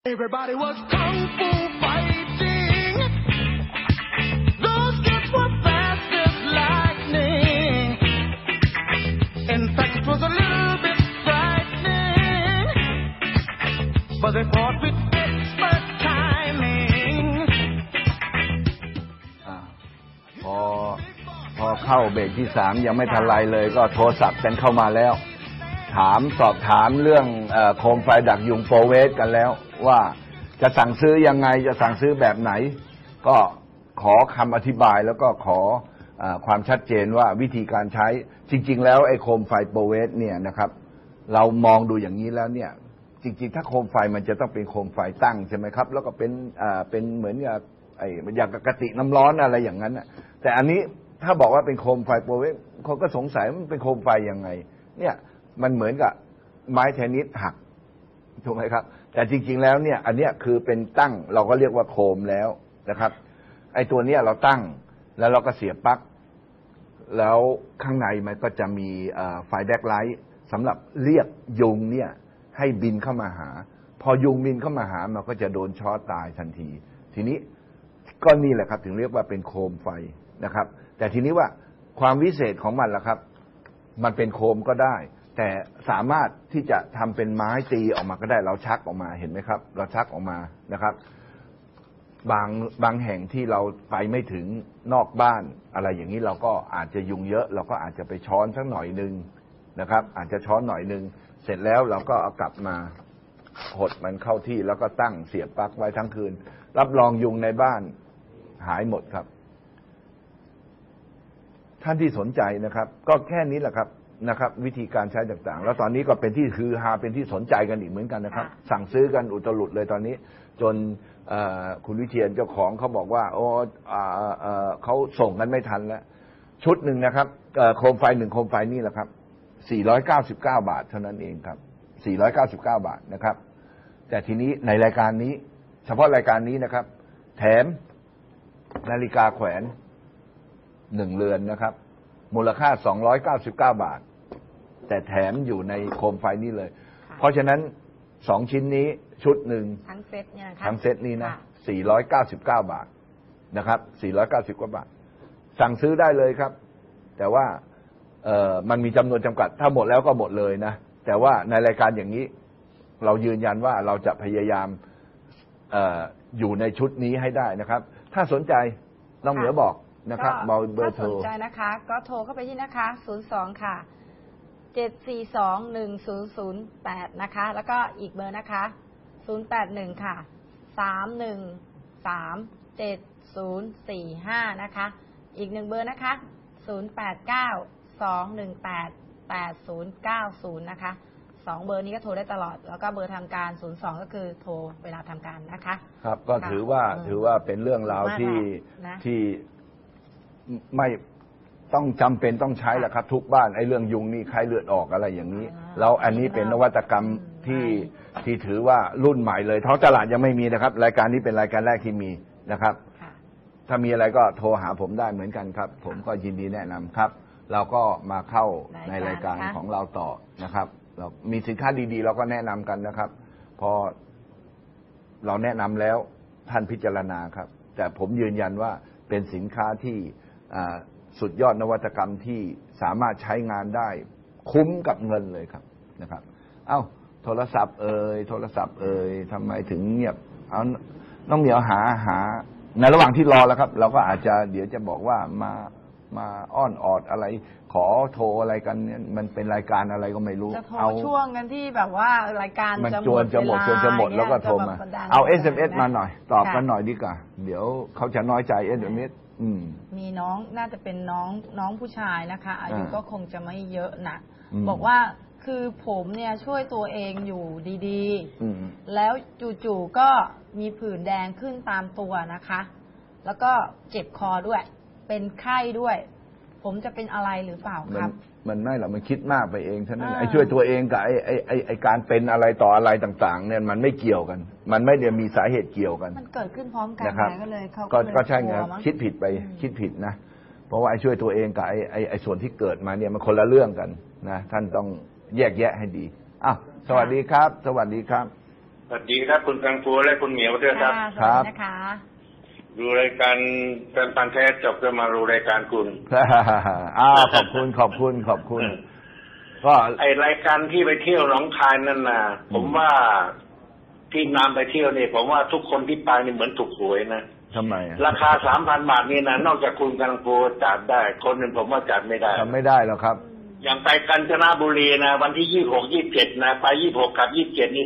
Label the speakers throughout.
Speaker 1: Everybody was kung fu fighting. Those kids were fast as lightning. In fact, it was a little bit frightening, but they fought with expert timing.
Speaker 2: พอเข้าเบรกที่3ยังไม่ทันไรเลยก็โทรศัพท์กันเข้ามาแล้วสอบถามเรื่องโคมไฟดักยุงโปรเวสกันแล้วว่าจะสั่งซื้อยังไงจะสั่งซื้อแบบไหนก็ขอคำอธิบายแล้วก็ขอความชัดเจนว่าวิธีการใช้จริงๆแล้วไอ้โคมไฟโปรเวสเนี่ยนะครับเรามองดูอย่างนี้แล้วเนี่ยจริงๆถ้าโคมไฟมันจะต้องเป็นโคมไฟตั้งใช่ไหมครับแล้วก็เป็นเหมือนกับอย่างกระติกน้ำร้อนอะไรอย่างนั้นแต่อันนี้ถ้าบอกว่าเป็นโคมไฟโปรเวสคนก็สงสัยมันเป็นโคมไฟยังไงเนี่ยมันเหมือนกับไม้เทนนิสหักถูกไหมครับแต่จริงๆแล้วเนี่ยอันเนี้ยคือเป็นตั้งเราก็เรียกว่าโคมแล้วนะครับไอ้ตัวเนี้ยเราตั้งแล้วเราก็เสียบปลั๊กแล้วข้างในมันก็จะมีไฟแบ็คไลท์สำหรับเรียกยุงเนี่ยให้บินเข้ามาหาพอยุงบินเข้ามาหามันก็จะโดนช็อตตายทันทีทีนี้ก็นี่แหละครับถึงเรียกว่าเป็นโคมไฟนะครับแต่ทีนี้ว่าความวิเศษของมันล่ะครับมันเป็นโคมก็ได้แต่สามารถที่จะทำเป็นไม้ตีออกมาก็ได้เราชักออกมาเห็นไหมครับเราชักออกมานะครับบางแห่งที่เราไปไม่ถึงนอกบ้านอะไรอย่างนี้เราก็อาจจะยุงเยอะเราก็อาจจะไปช้อนสักหน่อยนึงนะครับอาจจะช้อนหน่อยนึงเสร็จแล้วเราก็เอากลับมาหดมันเข้าที่แล้วก็ตั้งเสียบปลั๊กไว้ทั้งคืนรับรองยุงในบ้านหายหมดครับท่านที่สนใจนะครับก็แค่นี้แหละครับวิธีการใช้ต่างๆแล้วตอนนี้ก็เป็นที่คือฮาเป็นที่สนใจกันอีกเหมือนกันนะครับสั่งซื้อกันอุตลุดเลยตอนนี้จนคุณวิเชียรเจ้าของเขาบอกว่าเขาส่งกันไม่ทันแล้วชุดหนึ่งนะครับโคมไฟ1โคมไฟนี่แหละครับ499 บาทเท่านั้นเองครับ499 บาทนะครับแต่ทีนี้ในรายการนี้เฉพาะรายการนี้นะครับแถมนาฬิกาแขวน1 เรือนนะครับมูลค่า299 บาทแต่แถมอยู่ในโคมไฟนี้เลยเพราะฉะนั้น2ชิ้นนี้ชุดหนึ่งทั้งเซตเนี่ยทั้งเซตนี้นะ499 บาทนะครับ499 บาทสั่งซื้อได้เลยครับแต่ว่ามันมีจำนวนจำกัดถ้าหมดแล้วก็หมดเลยนะแต่ว่าในรายการอย่างนี้เรายืนยันว่าเราจะพยายามอยู่ในชุดนี้ให้ได้นะครับถ้าสนใจน้องเหนือบอกนะครับเบอร์โทร
Speaker 3: ถ้าสนใจนะคะก็โทรเข้าไปที่นะคะ02ค่ะ7421008นะคะแล้วก็อีกเบอร์นะคะ081ค่ะ3137045นะคะอีก1เบอร์นะคะ0892188090นะคะ2เบอร์นี้ก็โทรได้ตลอดแล้วก็เบอร์ทางการ02ก็คือโทรเวลาทำการนะคะ
Speaker 2: ครับก็ถือว่าเป็นเรื่องราวที่ไม่ต้องจำเป็นต้องใช้แหละครับทุกบ้านไอ้เรื่องยุงนี่ไข้เลือดออกอะไรอย่างนี้แล้วอันนี้เป็นนวัตกรรมที่ถือว่ารุ่นใหม่เลยท้องตลาดยังไม่มีนะครับรายการนี้เป็นรายการแรกที่มีนะครับถ้ามีอะไรก็โทรหาผมได้เหมือนกันครับผมก็ยินดีแนะนำครับเราก็มาเข้าในรายการของเราต่อนะครับเรามีสินค้าดีๆเราก็แนะนำกันนะครับพอเราแนะนำแล้วท่านพิจารณาครับแต่ผมยืนยันว่าเป็นสินค้าที่สุดยอดนวัตกรรมที่สามารถใช้งานได้คุ้มกับเงินเลยครับนะครับโทรศัพท์ทำไมถึงเงียบเอาน้องเหมียวหาในระหว่างที่รอแล้วครับเราก็อาจจะเดี๋ยวจะบอกว่ามาอ้อนออดอะไรขอโทรอะไรกันเนี่ยมันเป็นรายการอะไรก็ไม่รู้
Speaker 3: จะโทรช่วงกันที่แบบว่ารายการ
Speaker 2: มันจวนจะหมดแล้วก็โทรมาเอา SMS มาหน่อยตอบกันหน่อยดีกว่าเดี๋ยวเขาจะน้อยใจ SMS
Speaker 3: มีน้องน่าจะเป็นน้องผู้ชายนะคะอายุก็คงจะไม่เยอะนะบอกว่าคือผมเนี่ยช่วยตัวเองอยู่ดีๆแล้วจู่ๆก็มีผื่นแดงขึ้นตามตัวนะคะแล้วก็เจ็บคอด้วยเป็นไข้ด้วยผมจะเป็นอะไรหรือเปล่าครับ
Speaker 2: มันไม่หรอกมันคิดมากไปเองเท่านั้นไอ้ช่วยตัวเองกับไอ้การเป็นอะไรต่ออะไรต่างๆเนี่ยมันไม่เกี่ยวกันมันไม่ได้มีสาเหตุเกี่ยวกัน
Speaker 3: มันเกิดขึ้นพร้อมกันก็เลยเขา
Speaker 2: ก็ใช่ไงคิดผิดไปคิดผิดนะเพราะว่าไอ้ช่วยตัวเองกับไอ้ส่วนที่เกิดมาเนี่ยมันคนละเรื่องกันนะท่านต้องแยกแยะให้ดีสวัสดีครับสวัสดีครับ
Speaker 4: สวัสดีครับคุณกังฟูและคุณเหมียวด้วยครับ
Speaker 3: สวัสดีนะคะ
Speaker 4: ดูรายการเป็นพันแท้จบก็มาดูรายการคุณ
Speaker 2: ขอบคุณก็
Speaker 4: ไอรายการที่ไปเที่ยวหนองคายนั่นนะผมว่าที่นำไปเที่ยวนี่ผมว่าทุกคนที่ไปนี่เหมือนถูกหวยนะ
Speaker 2: ทำไม
Speaker 4: ราคา 3,000 บาทนี่นะนอกจากคุณกังฟูจัดได้คนอื่นผมว่าจัดไม่ได้
Speaker 2: ทำไม่ได้หรอกครับ
Speaker 4: อย่างไปกาญจนบุรีนะวันที่26 27นะไป26กับ27นี่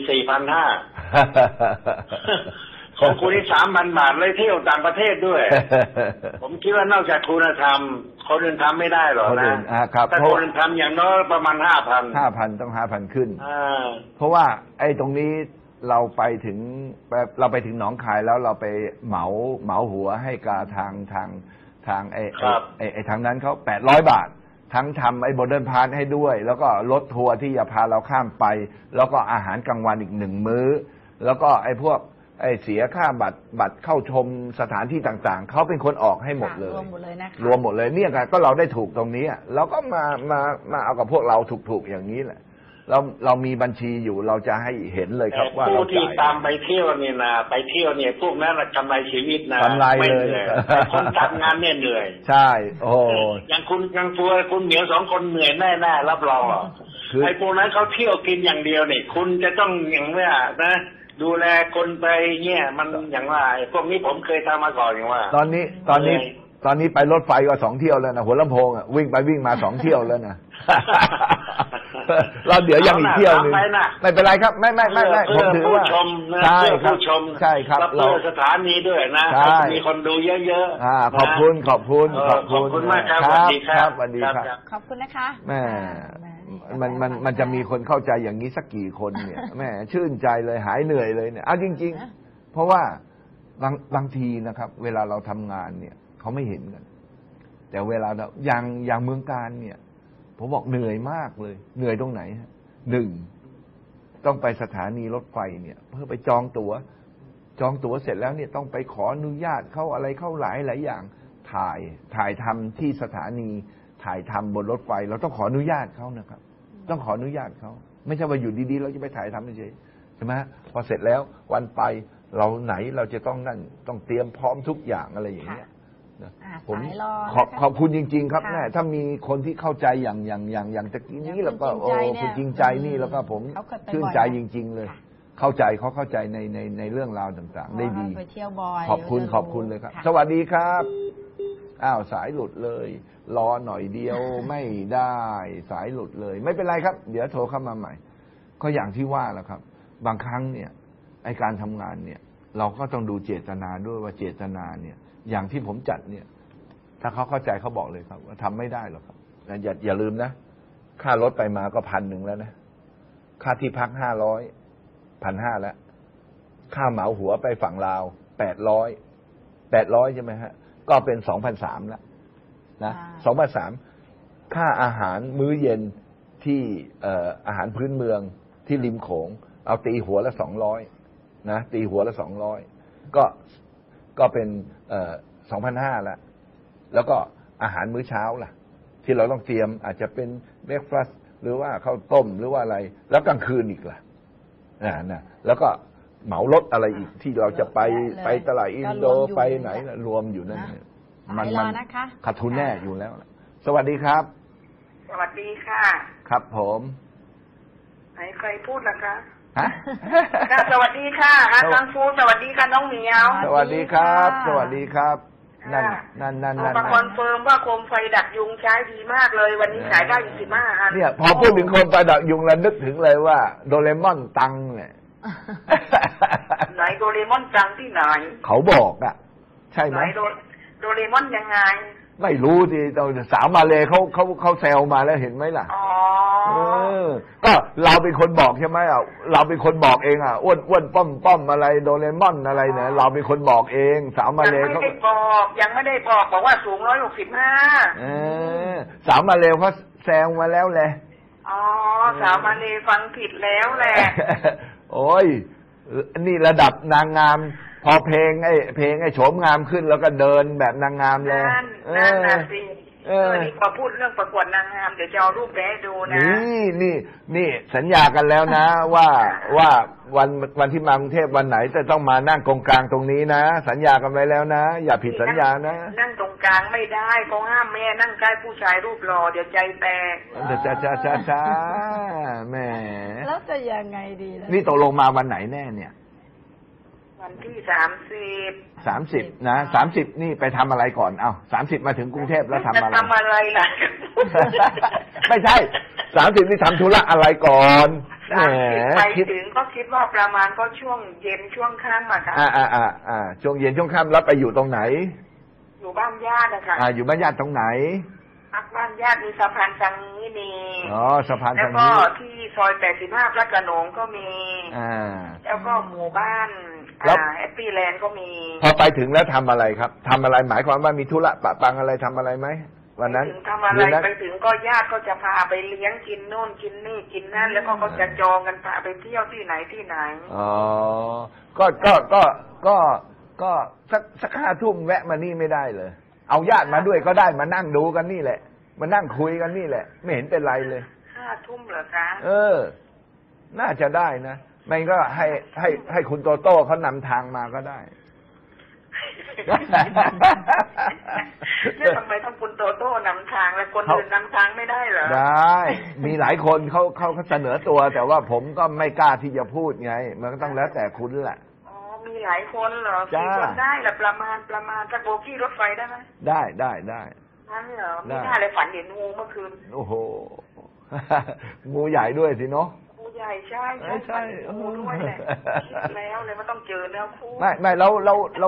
Speaker 4: 4,500 ของคุณนี่ 3,000 บาทเลยเที่ยวต่างประเทศด้วย ผมคิดว่านอกจากคุณธรรมคนอื่นทำไม่ได้หรอกนะถ้าคนอื่นทำอย่างน้อยประมาณ 5,000
Speaker 2: ต้อง 5,000 ขึ้นเพราะว่าไอ้ตรงนี้เราไปถึงหนองคายแล้วเราไปเหมาหัวให้กับทางไอ้ทางนั้นเขา800 บาททั้งทำไอ้โมเดิร์นพาร์ทให้ด้วยแล้วก็รถทัวร์ที่จะพาเราข้ามไปแล้วก็อาหารกลางวันอีก1 มื้อแล้วก็ไอ้พวกไอ้เสียค่าบัตรเข้าชมสถานที่ต่างๆเขาเป็นคนออกให้หมดเลย
Speaker 3: รวมหมดเลยนะคะ
Speaker 2: รวมหมดเลยเนี่ยก็เราได้ถูกตรงนี้เราก็มาเอากับพวกเราถูกอย่างนี้แหละเรามีบัญชีอยู่เราจะให้เห็นเลยครับว่า
Speaker 4: ผู้ที่ตามไปเที่ยวนี่นะไปเที่ยวเนี่ยพวกนั้นกำไรชีวิตนะ
Speaker 2: กำไรเลย
Speaker 4: คนทำงานเนี่ยเหนื่อย
Speaker 2: ใช่โอ้
Speaker 4: อย่างคุณกังฟูคุณเหมียว2 คนเหนื่อยแน่ๆรับรองไอ้พวกนั้นเขาเที่ยวกินอย่างเดียวนี่คุณจะต้องอย่างเนี้ยนะดูแลคนไปเนี่ยมันอย่างว่าพวกนี้ผมเคยทำมาก่อนอย่างว่า
Speaker 2: ตอนนี้ไปรถไฟก็2 เที่ยวแล้วนะหัวลำโพงวิ่งไปวิ่งมา2 เที่ยวแล้วนะเราเดี๋ยวยังอีกเที่ยวนึงไม่เป็นไรครับไม่ผมถือว่าใช่ครับ
Speaker 4: เราสถานีด้วยนะมีคนดูเยอะ
Speaker 2: ๆขอบคุณ
Speaker 4: ขอบคุณมากครับสวัสดีครับ
Speaker 2: สวัสดีครับ
Speaker 3: ขอบคุณนะคะ
Speaker 2: แม่มันจะมีคนเข้าใจอย่างนี้สักกี่คนเนี่ยแม่ชื่นใจเลยหายเหนื่อยเลยเนี่ยเอาจริงๆเพราะว่าบางทีนะครับเวลาเราทำงานเนี่ยเขาไม่เห็นกันแต่เวลาอย่างเมืองการเนี่ยผมบอกเหนื่อยมากเลยเหนื่อยตรงไหนฮะ1ต้องไปสถานีรถไฟเนี่ยเพื่อไปจองตั๋วเสร็จแล้วเนี่ยต้องไปขออนุญาตเข้าอะไรเข้าหลายอย่างถ่ายทำที่สถานีถ่ายทำบนรถไฟเราต้องขออนุญาตเขานะครับต้องขออนุญาตเขาไม่ใช่ว่าอยู่ดีๆเราจะไปถ่ายทำเฉยใช่ไหมพอเสร็จแล้ววันไปเราจะต้องนั่นต้องเตรียมพร้อมทุกอย่างอะไรอย่างเงี้ยผมขอบคุณจริงๆครับแม่ถ้ามีคนที่เข้าใจอย่างตะกี้นี้แล้วก็คุณจริงใจนี่แล้วก็ผมชื่นใจจริงๆเลยเข้าใจในเรื่องราวต่างๆได้ดีขอบคุณเลยครับสวัสดีครับสายหลุดเลยรอหน่อยเดียวไม่ได้สายหลุดเลยไม่เป็นไรครับเดี๋ยวโทรเข้ามาใหม่ก็อย่างที่ว่าแหละครับบางครั้งเนี่ยไอ้การทำงานเนี่ยเราก็ต้องดูเจตนาด้วยว่าเจตนาเนี่ยอย่างที่ผมจัดเนี่ยถ้าเขาเข้าใจเขาบอกเลยครับว่าทำไม่ได้หรอกครับอย่าลืมนะค่ารถไปมาก็1,000แล้วนะค่าที่พัก1,500แล้วค่าเหมาหัวไปฝั่งลาว800ใช่ไหมฮะก็เป็น 2,300 แล้วนะ 2,300 ค่าอาหารมื้อเย็นที่อาหารพื้นเมืองที่ริมโขงเอาตีหัวละ200นะตีหัวละ200ก็เป็น2,500 แล้วก็อาหารมื้อเช้าล่ะที่เราต้องเตรียมอาจจะเป็นเบรคฟาสต์หรือว่าข้าวต้มหรือว่าอะไรแล้วกลางคืนอีกล่ะนะแล้วก็เหมารถอะไรอีกที่เราจะไปตลาดอินโดไปไหนรวมอยู่นั่นมันขาดทุนแน่อยู่แล้วสวัสดีครับ
Speaker 5: สวัสดีค่ะ
Speaker 2: ครับผม
Speaker 5: ใครพูดล่ะคะสวัสดีค่ะกังฟูสวัสดีค่ะน้องเหมียว
Speaker 2: สวัสดีครับสวัสดีครับนั่น
Speaker 5: มาคอนเฟิร์มว่าโคมไฟดักยุงใช้ดีมากเลยวันนี้ขายได้15 อัน
Speaker 2: เนี่ยพอพูดถึงโคมไฟดักยุงแล้วนึกถึงเลยว่าโดเรมอนตังเนี่ย
Speaker 5: ไหนโดเรมอนตังที่ไหน
Speaker 2: เขาบอกอ่ะใช่ไหม
Speaker 5: โดเรมอนยังไง
Speaker 2: ไม่รู้ดิสาวมาเลยเขาแซวมาแล้วเห็นไหมล่ะก็เราเป็นคนบอกใช่ไหมเราเป็นคนบอกเองอ้วนป้อมอะไรโดเรมอนอะไรเนี่ยเราเป็นคนบอกเองสาวมาเลยเขา
Speaker 5: ยังไม่ได้บอกว่าสูง165
Speaker 2: สาวมาเลยเขาแซวมาแล้วแหละ
Speaker 5: สาวมาเลยฟังผิดแล้วแหละ
Speaker 2: โอ้ยนี่ระดับนางงามพอเพลงไอ้โฉมงามขึ้นแล้วก็เดินแบบนางงามเลย
Speaker 5: นั่นน่ะสินี่พอพูดเรื่องประกวดนางงามเดี๋ยวจะเอารูปไปให้ดูนะ
Speaker 2: นี่สัญญากันแล้วนะว่าวันที่มากรุงเทพวันไหนจะต้องมานั่งกองกลางตรงนี้นะสัญญากันไว้แล้วนะอย่าผิดสัญญานะ
Speaker 5: นั่งตรงกลางไม่ได้เขาห้ามแม่นั่งใกล้ผู้ชายรูปหล่อเดี๋ยวใจแตก
Speaker 2: จ้าแม่
Speaker 3: แล้วจะยังไงดีล่ะ
Speaker 2: นี่ตกลงมาวันไหนแน่เนี่ย
Speaker 5: วันที่30
Speaker 2: นะ30นี่ไปทำอะไรก่อน30มาถึงกรุงเทพแล้วทำอะไร
Speaker 5: ล่ะ
Speaker 2: ไม่ใช่30นี่ทำธุระอะไรก่อน
Speaker 5: ไปถึงก็คิดว่าประมาณก็ช่วงเย็นช่วงค่ำอะค่ะ
Speaker 2: ช่วงเย็นช่วงค่ำแล้วไปอยู่ตรงไหน
Speaker 5: อยู่บ้านญาตินะคะ
Speaker 2: อยู่บ้านญาติตรงไหน
Speaker 5: พักบ้านญาติมีสะพานสังนี้มี
Speaker 2: สะพานสังนี้
Speaker 5: แล้วก็ที่ซอย85พระโขนงก็มีแล้วก็หมู่บ้านแฮปปี้แลนด์ก็มี
Speaker 2: พอไปถึงแล้วทำอะไรครับทำอะไรหมายความว่ามีธุระปะปังอะไรทำอะไรไหมวันนั้น
Speaker 5: ทำอะไรไปถึงก็ญาติก็จะพาไปเลี้ยงกินโน่นกินนี่กินนั่นแล้วก็จะจองกันพาไปเที่ยวที่ไหน
Speaker 2: ก็สัก5 ทุ่มแวะมานี่ไม่ได้เลยเอาญาติมาด้วยก็ได้มานั่งดูกันนี่แหละมานั่งคุยกันนี่แหละไม่เห็นเป็นไรเลย
Speaker 5: 5 ทุ่มเหรอคะ
Speaker 2: น่าจะได้นะไม่ก็ให้คุณโตโต้เขานำทางมาก็ได้
Speaker 5: เนี่ยทำไมต้องคุณโตโต้นำทางแล้วคนอื่นนำทางไม่ได้เหรอ
Speaker 2: ได้มีหลายคนเขาเสนอตัวแต่ว่าผมก็ไม่กล้าที่จะพูดไงมันก็ต้องแล้วแต่คุณแหละ
Speaker 5: มีหลายคนเหรอกี่คนได้หรือประมาณสักโบกี้รถไฟได้ไหม
Speaker 2: ได้
Speaker 5: นั่นเหรอไม่น่าเลยฝันเห็นงูเมื่อคืน
Speaker 2: โอ้โหงูใหญ่ด้วยสิเนาะ
Speaker 5: งูใหญ่ใช่งูด้วยแหละแล้วเลยว่าต้องเจอแล้วคู่
Speaker 2: ไม่เรา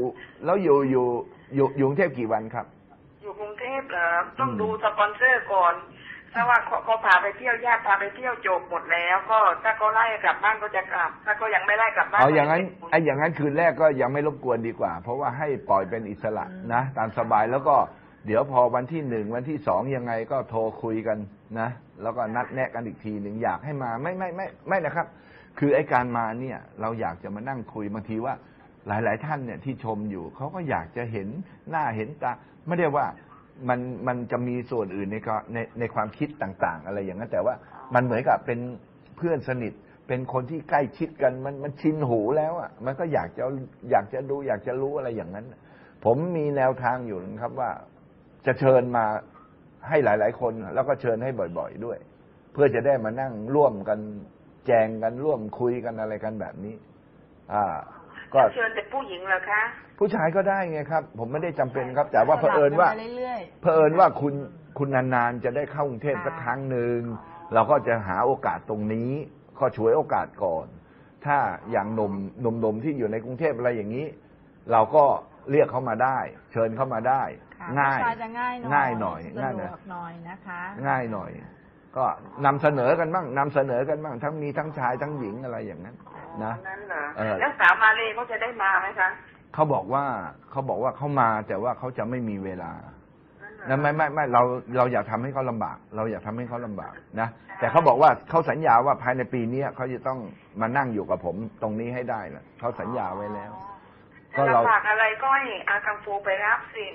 Speaker 2: อยู่กรุงเทพกี่วันครับ
Speaker 5: อยู่กรุงเทพเหรอต้องดูสปอนเซอร์ก่อนถ้าว่าเขาพาไปเที่ยวญาติพาไปเที่ยวจบหมดแล้วก็ถ้าเขาไล่กลับบ้านก็จะกลับถ้าเขายังไม่ไล่กลับบ้าน
Speaker 2: อย่างนั้นคืนแรกก็ยังไม่รบกวนดีกว่าเพราะว่าให้ปล่อยเป็นอิสระนะตามสบายแล้วก็เดี๋ยวพอวันที่1วันที่2ยังไงก็โทรคุยกันนะแล้วก็นัดแนะกันอีกทีหนึ่งอยากให้มาไม่นะครับคือไอ้การมาเนี่ยเราอยากจะมานั่งคุยบางทีว่าหลายๆท่านเนี่ยที่ชมอยู่เขาก็อยากจะเห็นหน้าเห็นตาไม่ได้ว่ามันจะมีส่วนอื่นในความคิดต่างๆอะไรอย่างนั้นแต่ว่ามันเหมือนกับเป็นเพื่อนสนิทเป็นคนที่ใกล้ชิดกันมันชินหูแล้วอ่ะมันก็อยากจะดูอยากจะรู้อะไรอย่างนั้นผมมีแนวทางอยู่นะครับว่าจะเชิญมาให้หลายๆคนแล้วก็เชิญให้บ่อยๆด้วยเพื่อจะได้มานั่งร่วมกันแจงกันร่วมคุยกันอะไรกันแบบนี้
Speaker 5: ก็เชิญแต่ผู้หญิงเหรอคะ
Speaker 2: ผู้ชายก็ได้ไงครับผมไม่ได้จำเป็นครับแต่ว่าเผอิญว่าคุณนานๆจะได้เข้ากรุงเทพสักครั้งหนึ่งเราก็จะหาโอกาสตรงนี้ก็ฉวยโอกาสก่อนถ้าอย่างหนุ่มที่อยู่ในกรุงเทพอะไรอย่างนี้เราก็เรียกเขามาได้เชิญเข้ามาได้ง่ายหน่อย
Speaker 3: สะดวกหน่อยนะคะ
Speaker 2: ง่ายหน่อยก็นำเสนอกันบ้างทั้งมีทั้งชายทั้งหญิงอะไรอย่างนั้นนะ
Speaker 5: แล้วสาวมาเลเขาจะได้มาไหมคะ
Speaker 2: เขาบอกว่าเขามาแต่ว่าเขาจะไม่มีเวลานะไม่เราอยากทำให้เขาลำบากนะแต่เขาบอกว่าเขาสัญญาว่าภายในปีนี้เขาจะต้องมานั่งอยู่กับผมตรงนี้ให้ได้นะเขาสัญญาไว้แล้ว
Speaker 5: ก็เราฝากอะไรก็ให้อากังฟูไปรับสิ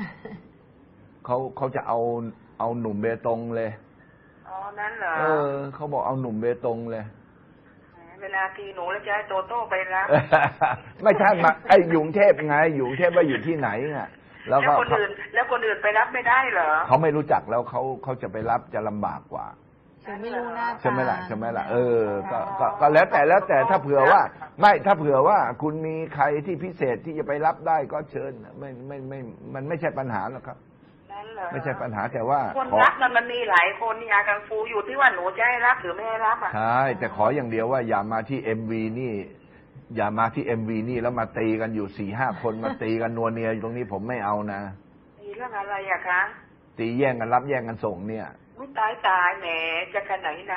Speaker 2: เขาจะเอาหนุ่มเบตงเลย
Speaker 5: นั่นเหรอ
Speaker 2: เขาบอกเอาหนุ่มเบตงเลย
Speaker 5: เวลาทีหนูแล้วจะให้โตโต้ไปรับ
Speaker 2: ไม่ใช่มาไอ้ยุงเทพไงยุงเทพว่าอยู่ที่ไหนอ่ะ
Speaker 5: แล้วคนอื่นไปรับไม่ได้เหรอ
Speaker 2: เขาไม่รู้จักแล้วเขาจะไปรับจะลำบากกว่า
Speaker 3: ไม่รู้หน้าตา
Speaker 2: ใช่ไหมล่ะก็แล้วแต่ถ้าเผื่อว่าคุณมีใครที่พิเศษที่จะไปรับได้ก็เชิญมันไม่ใช่ปัญหาหรอกครับไม่ใช่ปัญหาแต่ว่า
Speaker 5: คนรับมันมีหลายคนนี่อากังฟูอยู่ที่ว่าหนูจะให้รับหรือไม่ให้รับอ่ะ
Speaker 2: ใช่แต่ขออย่างเดียวว่าอย่ามาที่ MV นี่แล้วมาตีกันอยู่ 4-5 คนมาตีกันนัวเนียอยู่ตรงนี้ผมไม่เอานะ
Speaker 5: ตีเรื่องอะไรอะคะ
Speaker 2: ตีแย่งกันรับแย่งกันส่งเนี่ย
Speaker 5: ไม่ตายแหมจะขนาดไหน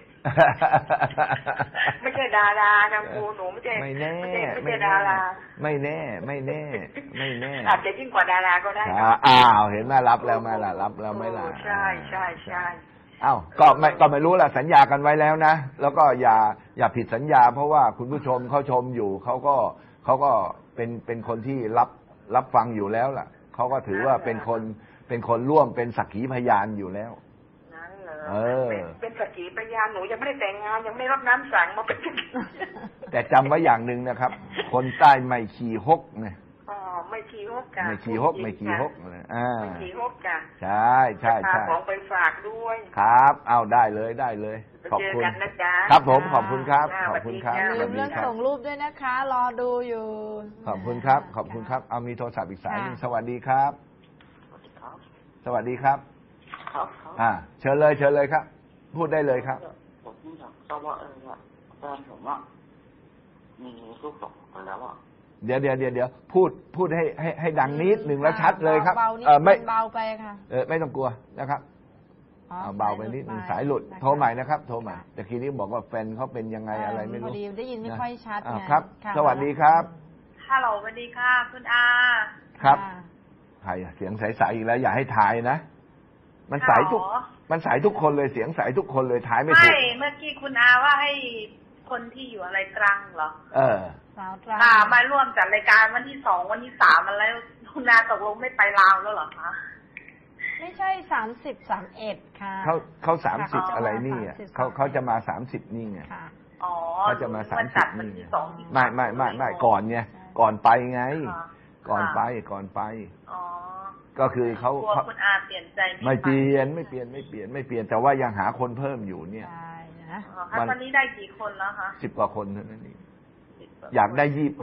Speaker 5: ไม่ใช่ดารากังฟูหนูไม่ใช่ดารา
Speaker 2: ไม่แน่
Speaker 5: อาจจะยิ่งกว่าดาราก็ได้
Speaker 2: เห็นไหมรับแล้วไหมล่ะรับแล้วไหมล่ะ
Speaker 5: ใช่
Speaker 2: ก็ไม่รู้ล่ะสัญญากันไว้แล้วนะแล้วก็อย่าผิดสัญญาเพราะว่าคุณผู้ชมเขาชมอยู่เขาก็เป็นคนที่รับฟังอยู่แล้วล่ะเขาก็ถือว่าเป็นคนเป็นคนร่วมเป็นสักขีพยานอยู่แล้ว
Speaker 5: นั่นเหรอเป็นสักขีพยานหนูยังไม่ได้แต่งงานยังไม่ได้รับน้ำสั่งมาเป็น
Speaker 2: แต่จำไว้อย่างหนึ่งนะครับคนใต้ไม่ขี่ฮกเนี่ย
Speaker 5: ไม่ขี่ฮกกัน
Speaker 2: ไม่ขี่ฮกไม่ขี่ฮกเลย
Speaker 5: ไม่ขี่ฮกกัน
Speaker 2: ใช่ใช่ใช่
Speaker 5: ของไปฝากด้วย
Speaker 2: ครับเอาได้เลยได้เลยขอบคุณครับผมขอบคุณครับขอบคุณครับ
Speaker 3: ลืมเรื่องส่งรูปด้วยนะคะรอดูอยู่
Speaker 2: ขอบคุณครับขอบคุณครับเอามีโทรศัพท์อีกสายนึงสวัสดีครับสวัสดีครับเชิญเลยเชิญเลยครับพูดได้เลยครับ
Speaker 6: ผมอยากทราบว่าแฟนผมมีลูกสองคนแล้ว
Speaker 2: เดี๋ยวพูดให้ดังนิดหนึ่งแล้วชัดเลยครับ
Speaker 3: ไม่เบาไปค่ะ
Speaker 2: ไม่ต้องกลัวนะครับเบาไปนิดหนึ่งสายหลุดโทรใหม่นะครับโทรใหม่แต่ทีนี้บอกว่าแฟนเขาเป็นยังไงอะไรไม่รู้
Speaker 3: พอดีได้ยินไม่ค่อยชัด
Speaker 2: ครับสวัสดีครับ
Speaker 5: ฮัลโหลสวัสดีค่ะคุณอา
Speaker 2: ครับใครเสียงใสๆอีกแล้วอย่าให้ทายนะมันใสทุกคนเลยเสียงใสทุกคนเลยทายไม่ถูก
Speaker 5: ไม่เมื่อกี้คุณอาว่าให้คนที่อยู่อะไรตรังเหรอ
Speaker 3: สาวตรัง
Speaker 5: มาร่วมจัดรายการวันที่2วันที่3อะไรคุณอาตกลงไม่ไปลาวแล้วเหรอคะ
Speaker 3: ไม่ใช่30-31ค่ะ
Speaker 2: เขา30อะไรนี่เขาจะมา30นี่ไงเขาจะมา30นี่ไม่ก่อนไงก่อนไปไงก่อนไปก็คือเขา
Speaker 5: คุณอาเปลี่ยนใจ
Speaker 2: ไม่เปลี่ยนแต่ว่ายังหาคนเพิ่มอยู่เนี่ย
Speaker 5: วันนี้ได้กี่คนแล้วคะ
Speaker 2: 10 กว่าคนเท่านั้นเองอยากได้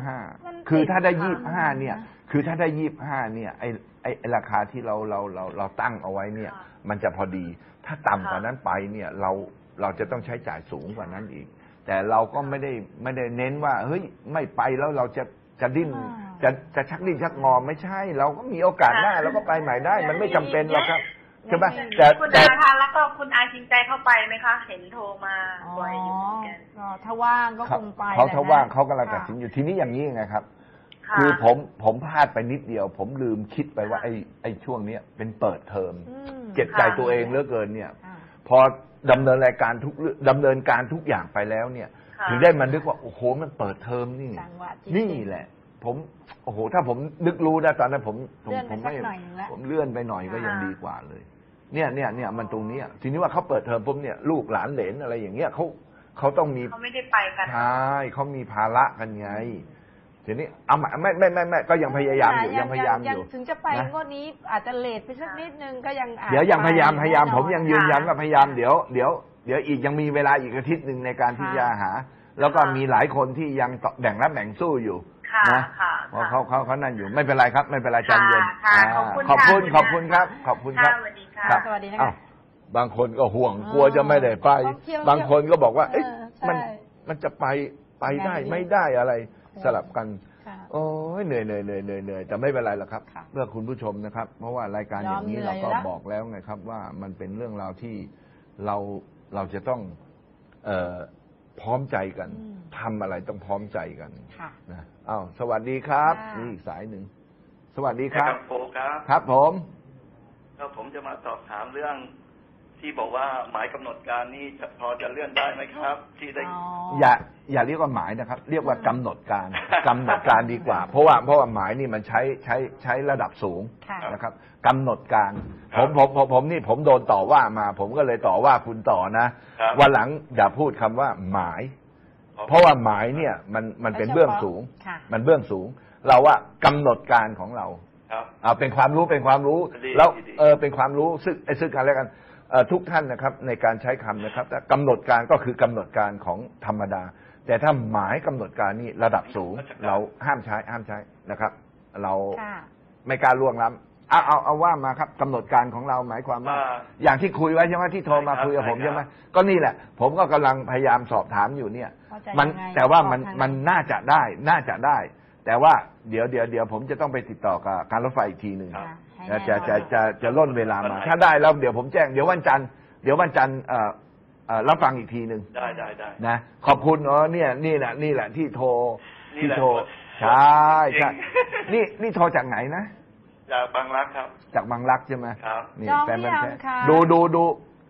Speaker 2: 25คือถ้าได้25เนี่ยคือถ้าได้25เนี่ยไอ้ราคาที่เราตั้งเอาไว้เนี่ยมันจะพอดีถ้าต่ำกว่านั้นไปเนี่ยเราจะต้องใช้จ่ายสูงกว่านั้นอีกแต่เราก็ไม่ได้เน้นว่าเฮ้ยไม่ไปแล้วเราจะดิ้นจะชักดิ้นชักงอไม่ใช่เราก็มีโอกาสหน้าเราก็ไปใหม่ได้มันไม่จำเป็นหรอกครับใช่ไหม
Speaker 5: แต่คุณอาคะแล้วก็คุณอาจริงใจเข้าไปไหมคะเห็นโทรมาบ่อยอยู่เหมือนกัน
Speaker 3: ถ้าว่างก็คงไป
Speaker 2: เขาถ้าว่างเขากำลังตัดสินอยู่ทีนี้อย่างนี้ไงครับคือผมพลาดไปนิดเดียวผมลืมคิดไปว่าไอ้ช่วงนี้เป็นเปิดเทอมเจ็บใจตัวเองเหลือเกินเนี่ยพอดำเนินการทุกอย่างไปแล้วเนี่ยถึงได้มันนึกว่าโอ้โหมันเปิดเทอมนี่แหละผมโอ้โหถ้าผมนึกรู้นะตอนนั้นผมเลื่อนไปหน่อยก็ยังดีกว่าเลยเนี่ยมันตรงนี้ทีนี้ว่าเขาเปิดเทอมปุ๊บเนี่ยลูกหลานเหลนอะไรอย่างเงี้ยเขาต้องมี
Speaker 5: เขาไม่ได้ไปกัน
Speaker 2: ใช่เขามีภาระกันไงทีนี้เอาไม่ก็ยังพยายามอยู่
Speaker 3: ถึงจะไปงวดนี้อาจจะเลทไปสักนิดนึงก็ยัง
Speaker 2: เดี๋ยวยังพยายามผมยังยืนยันว่าพยายามเดี๋ยวอีกยังมีเวลาอีกอาทิตย์นึงในการที่จะหาแล้วก็มีหลายคนที่ยังแบ่งรับแบ่งสู้อยู่นะเพราะเขานั่นอยู่ไม่เป็นไรครับไม่เป็นไรใจเย็นขอบคุณครับ
Speaker 3: สวัสดีค่ะ
Speaker 2: บางคนก็ห่วงกลัวจะไม่ได้ไปบางคนก็บอกว่าเอ๊ะมันจะไปได้ไม่ได้อะไรสลับกันโอ้ยเหนื่อยแต่ไม่เป็นไรหรอกครับเพื่อคุณผู้ชมนะครับเพราะว่ารายการอย่างนี้เราก็บอกแล้วไงครับว่ามันเป็นเรื่องราวที่เราจะต้องพร้อมใจกันทำอะไรต้องพร้อมใจกันนะสวัสดีครับนี่อีกสายหนึ่งสวัสดีครับครับ
Speaker 6: ผมจะมาสอบถามเรื่องที่บอกว่าหมายกำหนดการนี่พอจะเลื่อนได้ไหมครับที่ได้
Speaker 2: อย่าเรียกว่าหมายนะครับเรียกว่ากำหนดการดีกว่าเพราะว่าหมายนี่มันใช้ระดับสูงนะครับกำหนดการผมโดนต่อว่ามาผมก็เลยต่อว่าคุณต่อนะวันหลังอย่าพูดคำว่าหมายเพราะว่าหมายเนี่ยมันเป็นเบื้องสูงมันเบื้องสูงเราว่ากำหนดการของเราเป็นความรู้แล้วเป็นความรู้ซึ่งกันและกันทุกท่านนะครับในการใช้คำนะครับกำหนดการก็คือกำหนดการของธรรมดาแต่ถ้าหมายกำหนดการนี่ระดับสูงเราห้ามใช้นะครับเราไม่กล้าล่วงล้ำเอาว่ามาครับกำหนดการของเราหมายความว่าอย่างที่คุยไว้ใช่ไหมที่โทรมาคุยกับผมใช่ไหมก็นี่แหละผมก็กำลังพยายามสอบถามอยู่เนี่ยมันแต่ว่ามันน่าจะได้แต่ว่าเดี๋ยวผมจะต้องไปติดต่อกับการรถไฟอีกทีหนึ่งจะล่นเวลามาถ้าได้แล้วเดี๋ยวผมแจ้งเดี๋ยววันจันทร์รับฟังอีกทีหนึ่ง
Speaker 6: ได้
Speaker 2: นะขอบคุณนี่แหละที่โทรใช่นี่โทรจากไหนนะ
Speaker 6: จากบางรักครับ
Speaker 2: จากบางรักใช่ไหม
Speaker 6: ครับ
Speaker 2: นี่แฟนมันแท้ดู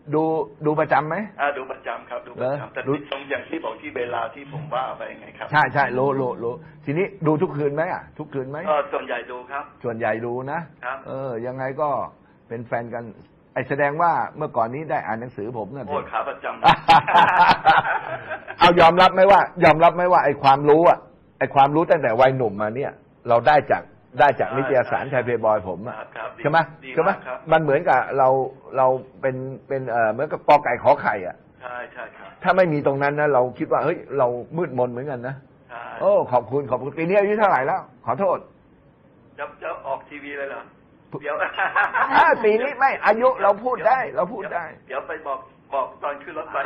Speaker 2: ดูประจำไหม
Speaker 6: ดูประจำครับดูประจำแต่ตรงอย่างที่บอกที่เวลาที่ผมว่าไปไงครับ
Speaker 2: ใช่รู้ทีนี้ดูทุกคืนไหมทุกคืนไหม
Speaker 6: ส่วนใหญ่ดูครับ
Speaker 2: ส่วนใหญ่ดูนะครับยังไงก็เป็นแฟนกันไอแสดงว่าเมื่อก่อนนี้ได้อ่านหนังสือผมนะ
Speaker 6: โอ้ขาประจำ
Speaker 2: เอายอมรับไหมว่าไอความรู้ตั้งแต่วัยหนุ่มมาเนี่ยเราได้จากนิตยสารไทยเพย์บอยผมใช่ไหมมันเหมือนกับเราเป็นเหมือนกับปอไก่ขอไข่
Speaker 6: ใช่ครับ
Speaker 2: ถ้าไม่มีตรงนั้นนะเราคิดว่าเฮ้ยเรามืดมนเหมือนกันนะโอ้ขอบคุณปีนี้อายุเท่าไหร่แล้วขอโทษ
Speaker 6: จะออกทีวีเลยเหรอเดี๋ยว
Speaker 2: ปีนี้ไม่อายุเราพูดได้เ
Speaker 6: ดี๋ยวไปบอกตอนขึ้นรถไฟ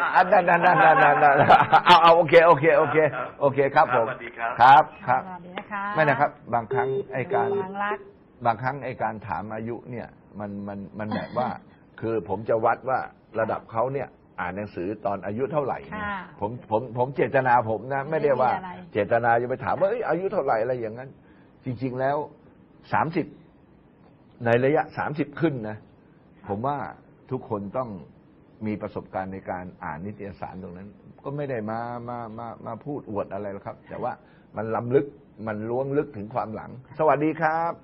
Speaker 2: เอาโอเคครับผมครับไม่นะครับบางครั้งไอ้การถามอายุเนี่ยมันแบบว่าคือผมจะวัดว่าระดับเขาเนี่ยอ่านหนังสือตอนอายุเท่าไหร่เนี่ยผมเจตนาผมนะไม่ได้ว่าเจตนาจะไปถามว่าอายุเท่าไหร่อะไรอย่างนั้นจริงๆแล้ว30ในระยะ30ขึ้นนะผมว่าทุกคนต้องมีประสบการณ์ในการอ่านนิตยสารตรงนั้นก็ไม่ได้มาพูดอวดอะไรหรอกครับแต่ว่ามันล้ำลึกมันล้วงลึกถึงความหลังสวัสดีครับ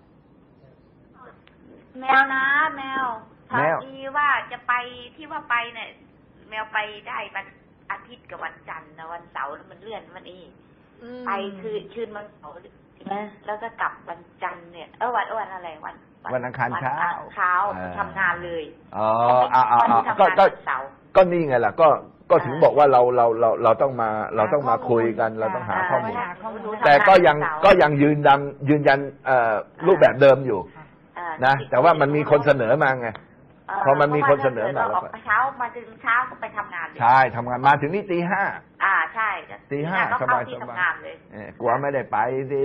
Speaker 7: แมวนะแมวถามดีว่าจะไปที่ว่าไปเนี่ยแมวไปได้วันอาทิตย์กับวันจันทร์นะวันเสาร์มันเลื่อนมันอีกไปคือคืนวันเสาร์นะแล้วก็กลับวันจันทร์เนี่ยวันอะไร
Speaker 2: วันอังคารเช้า
Speaker 7: ทำงานเลย
Speaker 2: ก็นี่ไงล่ะก็ถึงบอกว่าเราต้องมาคุยกันเราต้องหาข้อมูลแต่ก็ยังยืนยันรูปแบบเดิมอยู่นะแต่ว่ามันมีคนเสนอมาไงพอมันมีคนเสนอมาแล้ว
Speaker 7: ก็เช้ามาถึงเช้าก็ไปทำงานเลย
Speaker 2: ใช่ทำงานมาถึงนี่ตี 5
Speaker 7: ใช่
Speaker 2: ตี 5สบายกลัวไม่ได้ไปสิ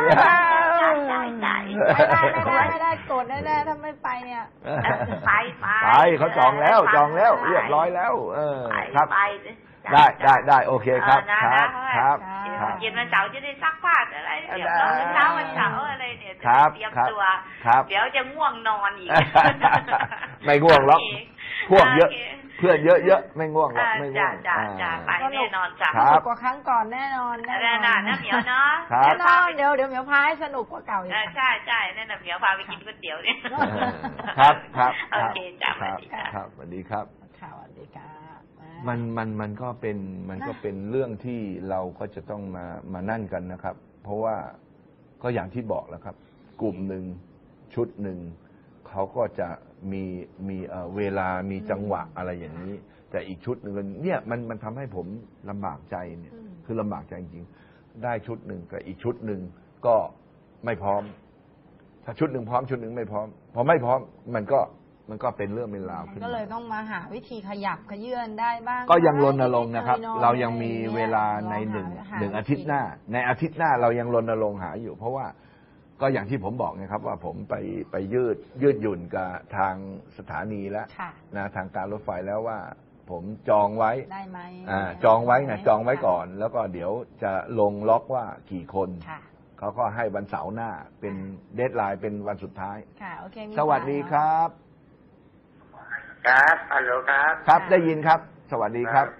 Speaker 3: ไม่ได้โกรธแน่ๆถ้าไม่ไปเนี่ย
Speaker 7: ไป
Speaker 2: เขาจองแล้วเรียบร้อยแล้วครับได้โอเคครับ
Speaker 7: เย็นวันเสาร์จะได้ซักผ้าอะไรเดี๋ยวเช้าวันเสาร์อะไรเนี่ยเตรียมตัวเดี๋ยวจะง่วงนอนอีก
Speaker 2: ไม่ง่วงหรอกพวกเยอะเพื่อนเยอะไม่ง่วงหรอกไม่ง่วง
Speaker 7: ไปแน่นอนจ้ะ
Speaker 3: สนุกกว่าครั้งก่อนแน่นอน
Speaker 7: นะเหมียวเนาะ
Speaker 3: แน่นอนเดี๋ยวเหมียวพาให้สนุกกว่าเก่าอีก
Speaker 7: ใช่แน่นอนเหมียวพาไปกินก๋วยเตี๋ยวเนี่ย
Speaker 2: ครับ
Speaker 7: โอเคจ้ะสวัสดี
Speaker 2: ครับสวัสดีครับ
Speaker 3: สวัสดีค่ะ
Speaker 2: มันก็เป็นเรื่องที่เราก็จะต้องมานั่นกันนะครับเพราะว่าก็อย่างที่บอกแล้วครับกลุ่มหนึ่งชุดหนึ่งเขาก็จะมีเวลามีจังหวะอะไรอย่างนี้แต่อีกชุดหนึ่งเนี่ยมันทำให้ผมลำบากใจเนี่ยคือลำบากใจจริงๆได้ชุดหนึ่งกับอีกชุดหนึ่งก็ไม่พร้อมถ้าชุดหนึ่งพร้อมชุดหนึ่งไม่พร้อมพอไม่พร้อมมันก็เป็นเรื่องเป็นราวขึ้น
Speaker 3: ก็เลยต้องมาหาวิธีขยับขยื่นได้บ้าง
Speaker 2: ก็ยังรณรงค์นะครับเรายังมีเวลาในหนึ่งอาทิตย์หน้าในอาทิตย์หน้าเรายังรณรงค์หาอยู่เพราะว่าก็อย่างที่ผมบอกนะครับว่าผมไปยืดหยุ่นกับทางสถานีแล้วนะทางการรถไฟแล้วว่าผมจองไว้
Speaker 3: ได้ไหม
Speaker 2: จองไว้ไงจองไว้ก่อนแล้วก็เดี๋ยวจะลงล็อกว่ากี่คนเขาก็ให้วันเสาร์หน้าเป็นเดดไลน์เป็นวันสุดท้ายสวัสดีครับ
Speaker 8: ครับฮัลโหลครับ
Speaker 2: ครับได้ยินครับสวัสดีครับ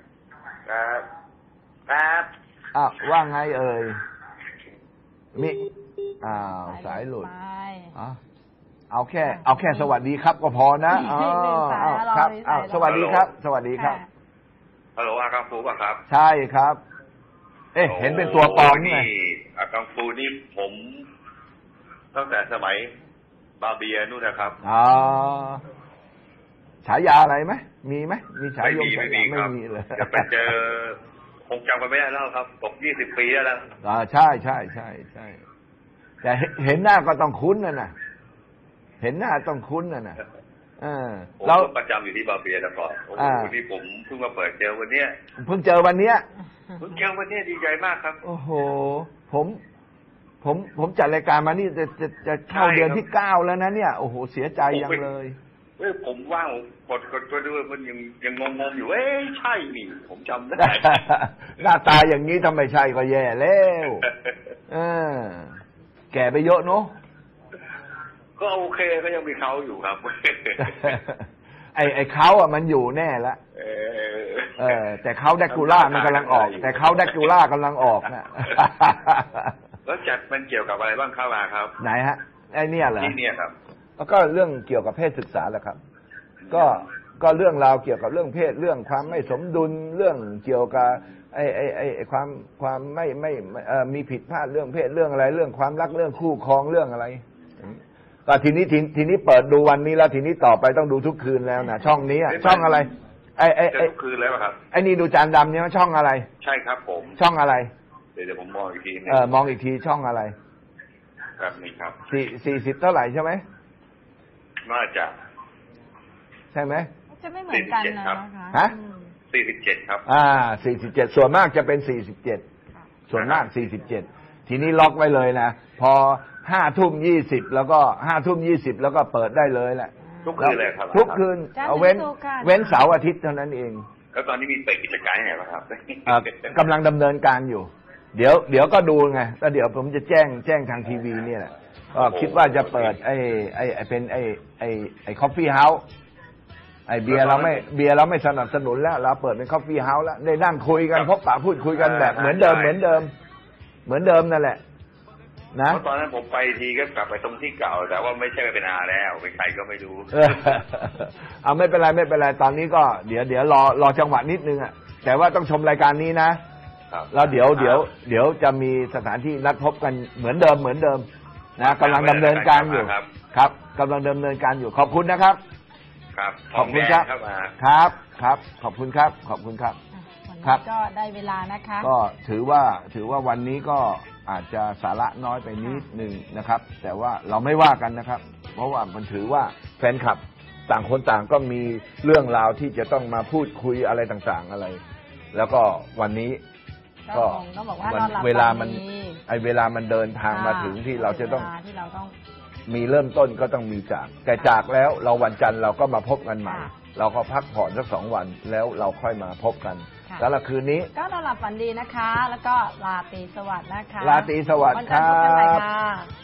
Speaker 8: ครับ
Speaker 2: ว่าไงเอ่ยมิสายหลุดเอาแค่สวัสดีครับก็พอนะครับสวัสดีครับสวัสดีครับ
Speaker 8: ฮัลโหลกังฟูป่ะครับ
Speaker 2: ใช่ครับเห็นเป็นตัวปลอมไง
Speaker 8: กังฟูนี่ผมตั้งแต่สมัยบาเบียนู่นนะครับ
Speaker 2: ฉายาอะไรไหมมีไหมมีฉายาไม่มีเลย
Speaker 8: จะไปเจอคงจำกันไม่ได้แล้วครับตก20 ปีแล้ว
Speaker 2: ใช่แต่เห็นหน้าก็ต้องคุ้นนะเห็นหน้าต้องคุ้นนะ
Speaker 8: เราประจำอยู่ที่บาเบียแล้วก่อนโอ้โหนี่ผมเพิ่งมาเปิดเจอวันเนี้ย
Speaker 2: เพิ่งเจอวันเนี้ย
Speaker 8: ดีใจมากครับ
Speaker 2: โอ้โหผมจัดรายการมานี่จะเข้าเดือนที่9แล้วนะเนี่ยโอ้โหเสียใจยังเลย
Speaker 8: ผมว่างกดไปด้วยมันยังงงอยู่ใช่นี่ผมจำได้
Speaker 2: หน้าตาอย่างนี้ทำไมใช่ก็แย่แล้วแก่ไปเยอะเนาะ
Speaker 8: ก็โอเคก็ยังมีเขาอยู่ครับ
Speaker 2: ไอ้เขาอ่ะมันอยู่แน่ละแต่เขาแดกูล่ามันกำลังออกแต่เขาแดกูล่ากำลังออกนะ
Speaker 8: แล้วจัดมันเกี่ยวกับอะไรบ้างครับครับ
Speaker 2: ไหนฮะไอ้เนี่ยเหรอ
Speaker 8: ที่เนี่ยครับ
Speaker 2: แล้วก็เรื่องเกี่ยวกับเพศศึกษาแหละครับก็เรื่องราวเกี่ยวกับเรื่องเพศเรื่องความไม่สมดุลเรื่องเกี่ยวกับไอ้ความไม่มีผิดพลาดเรื่องเพศเรื่องอะไรเรื่องความรักเรื่องคู่ครองเรื่องอะไรก็ทีนี้เปิดดูวันนี้แล้วทีนี้ต่อไปต้องดูทุกคืนแล้วนะช่องนี้ช่องอะไร
Speaker 8: ทุกคืนแล้วครับ
Speaker 2: ไอ้นี่ดูจานดำเนี่ยช่องอะไร
Speaker 8: ใช่ครับผม
Speaker 2: ช่องอะไร
Speaker 8: เดี๋ยวผมมองอีกที
Speaker 2: มองอีกทีช่องอะไร
Speaker 8: ครับนี่ครับ
Speaker 2: 40เท่าไหร่ใช่ไหม
Speaker 8: น่าจะ
Speaker 2: ใช่ไหม
Speaker 3: จะไม่เหมือนกันนะคะ
Speaker 2: ฮะ
Speaker 8: 47ครับ
Speaker 2: 47ส่วนมากจะเป็น47ส่วนมาก47ทีนี้ล็อกไว้เลยนะพอ5:20แล้วก็5:20แล้วก็เปิดได้เลยแหละ
Speaker 8: ทุกคืนเลยครับ
Speaker 2: ทุกคืนเอาเว้นเสาร์อาทิตย์เท่านั้นเอง
Speaker 8: แล้วตอนนี้มีเปิดกิจการไหนบ้างครับ
Speaker 2: กำลังดำเนินการอยู่เดี๋ยวก็ดูไงแล้วเดี๋ยวผมจะแจ้งทางทีวีเนี่ยแหละคิดว่าจะเปิดเป็นไอ้คอฟฟี่เฮาส์ไอ้เบียร์เราไม่สนับสนุนแล้วเราเปิดเป็นคอฟฟี่เฮาส์แล้วได้นั่งคุยกันพบปะพูดคุยกันแบบเหมือนเดิมนั่นแหละนะ
Speaker 8: ตอนนั้นผมไปทีก็กลับไปตรงที่เก่าแต่ว่าไม่ใช่เป็นอาแล้วเป็นใครก็ไม่รู้
Speaker 2: เอาไม่เป็นไรตอนนี้ก็เดี๋ยวรอจังหวะนิดนึงอ่ะแต่ว่าต้องชมรายการนี้นะแล้วเดี๋ยวจะมีสถานที่นัดพบกันเหมือนเดิมนะกำลังดำเนินการอยู่ครับกำลังดำเนินการอยู่ขอบคุณนะครับขอบคุณครับขอบคุณครับ
Speaker 3: ครับก็ได้เวลานะคะ
Speaker 2: ก็ถือว่าวันนี้ก็อาจจะสาระน้อยไปนิดนึงนะครับแต่ว่าเราไม่ว่ากันนะครับเพราะว่ามันถือว่าแฟนคลับต่างคนต่างก็มีเรื่องราวที่จะต้องมาพูดคุยอะไรต่างๆอะไรแล้วก็วันนี้ก็เวลามันเดินทางมาถึงที่เราจะต้องมีเริ่มต้นก็ต้องมีแต่จากแล้วเราวันจันทร์เราก็มาพบกันใหม่เราก็พักผ่อนสัก2 วันแล้วเราค่อยมาพบกันแล้วคืนนี้
Speaker 3: ก็นอนหลับฝันดีนะคะแล้วก็ราตรีสวัสดิ์นะคะ
Speaker 2: ราตรีสวัสดิ์ครับ